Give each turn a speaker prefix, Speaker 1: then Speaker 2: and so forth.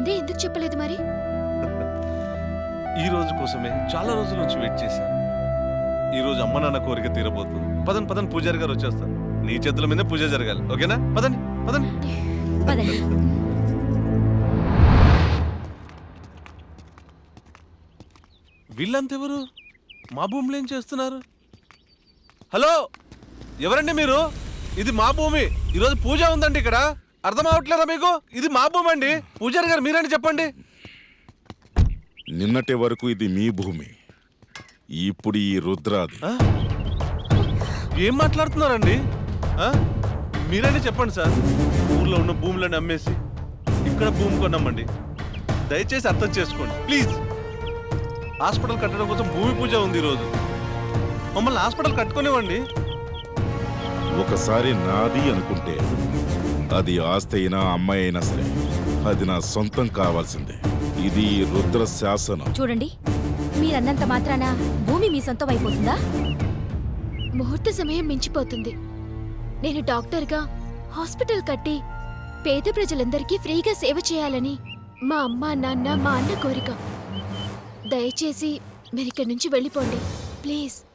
Speaker 1: ముందే ఎందుకు చెప్పలేదు మరి?
Speaker 2: ఈ రోజు కోసమే చాలా రోజుల నుంచి వెయిట్ చేశాను. ఈ రోజు అమ్మ నాన్న కోరిక తీరబోతుంది. పదండి పదండి, పూజారి గారు వచ్చేస్తారు. నీ చేతుల మీద పూజ జరగాలి, ఓకేనా? పదండి పదండి.
Speaker 1: పదండి.
Speaker 2: వీళ్ళంతెవరు? మా భూమిలో ఏం చేస్తున్నారు? హలో, ఎవరండి మీరు? ఇది మా భూమి. ఈరోజు పూజ ఉందండి ఇక్కడ. అర్థం అవట్లేదా మీకు? ఇది మా భూమి అండి. పూజారి గారు మీరండి, చెప్పండి.
Speaker 3: నిన్నటి వరకు ఇది మీ భూమి, ఇప్పుడు ఈ రుద్రాది.
Speaker 2: ఆ? ఏం మాట్లాడుతున్నారండి? ఆ? మీరండి చెప్పండి సార్. ఊర్లో ఉన్న భూములను అమ్మేసి ఇక్కడ భూమి కొన్నామండి. దయచేసి అర్థం చేసుకోండి ప్లీజ్. హాస్పిటల్ కట్టడం కోసం భూమి పూజ ఉంది ఈరోజు. మమ్మల్ని హాస్పిటల్ కట్టుకునేవ్వండి.
Speaker 3: ఒకసారి నాది అనుకుంటే అది ఆస్తి అయినా అమ్మాయి అయినా సరే అది నా సొంతం కావాల్సిందే. ఇది రుద్ర శాసనం.
Speaker 4: చూడండి, మీరన్నంత మాత్రాన భూమి మీ సొంతం అయిపోతుందా?
Speaker 1: ముహూర్త సమయం మించిపోతుంది. నేను డాక్టర్గా హాస్పిటల్ కట్టి పేద ప్రజలందరికీ ఫ్రీగా సేవ చేయాలని మా అమ్మ నాన్న మా అన్న కోరిక. దయచేసి మీరిక్కడి నుంచి వెళ్ళిపోండి ప్లీజ్.